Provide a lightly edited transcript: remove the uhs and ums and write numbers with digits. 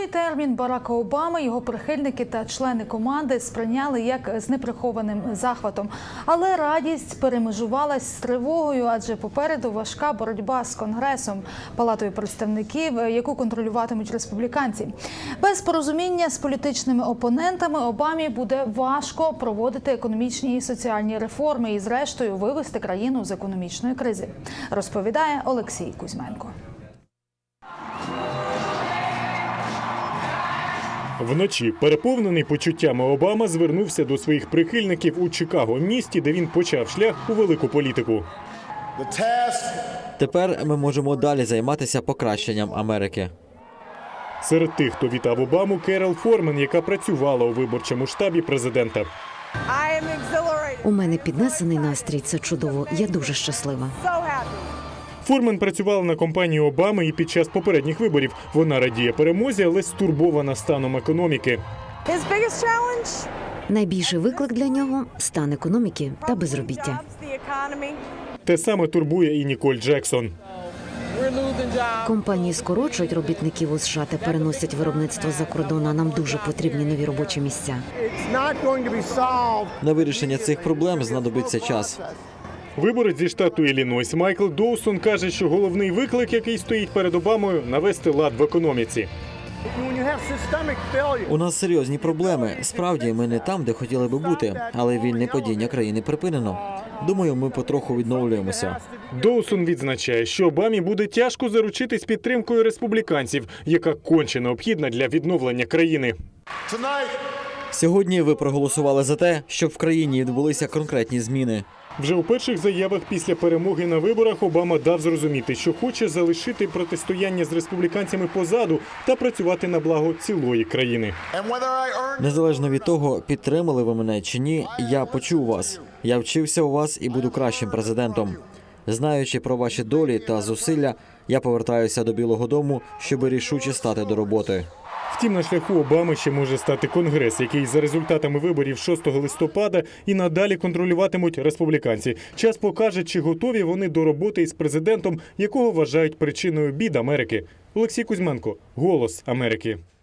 Новий термін Барака Обами його прихильники та члени команди сприйняли як з неприхованим захватом. Але радість перемежувалась з тривогою, адже попереду важка боротьба з Конгресом, Палатою представників, яку контролюватимуть республіканці. Без порозуміння з політичними опонентами Обамі буде важко проводити економічні і соціальні реформи і, зрештою, вивести країну з економічної кризи, розповідає Олексій Кузьменко. Вночі, переповнений почуттями, Обама звернувся до своїх прихильників у Чикаго, місті, де він почав шлях у велику політику. Тепер ми можемо далі займатися покращенням Америки. Серед тих, хто вітав Обаму, Керол Форман, яка працювала у виборчому штабі президента. У мене піднесений настрій, це чудово. Я дуже щаслива. Форман працювала на кампанії Обами і під час попередніх виборів. Вона радіє перемозі, але стурбована станом економіки. Найбільший виклик для нього – стан економіки та безробіття. Те саме турбує і Ніколь Джексон. Компанії скорочують робітників у США та переносять виробництво за кордон, а нам дуже потрібні нові робочі місця. На вирішення цих проблем знадобиться час. Виборець зі штату Іллінойс Майкл Доусон каже, що головний виклик, який стоїть перед Обамою – навести лад в економіці. У нас серйозні проблеми. Справді, ми не там, де хотіли би бути, але вільне падіння країни припинено. Думаю, ми потроху відновлюємося. Доусон відзначає, що Обамі буде тяжко заручитись підтримкою республіканців, яка конче необхідна для відновлення країни. Сьогодні ви проголосували за те, щоб в країні відбулися конкретні зміни. Вже у перших заявах після перемоги на виборах Обама дав зрозуміти, що хоче залишити протистояння з республіканцями позаду та працювати на благо цілої країни. Незалежно від того, підтримали ви мене чи ні, я почув вас. Я вчився у вас і буду кращим президентом. Знаючи про ваші долі та зусилля, я повертаюся до Білого дому, щоб рішуче стати до роботи. Втім, на шляху Обами ще може стати Конгрес, який за результатами виборів 6 листопада і надалі контролюватимуть республіканці. Час покаже, чи готові вони до роботи із президентом, якого вважають причиною бід Америки. Олексій Кузьменко, «Голос Америки».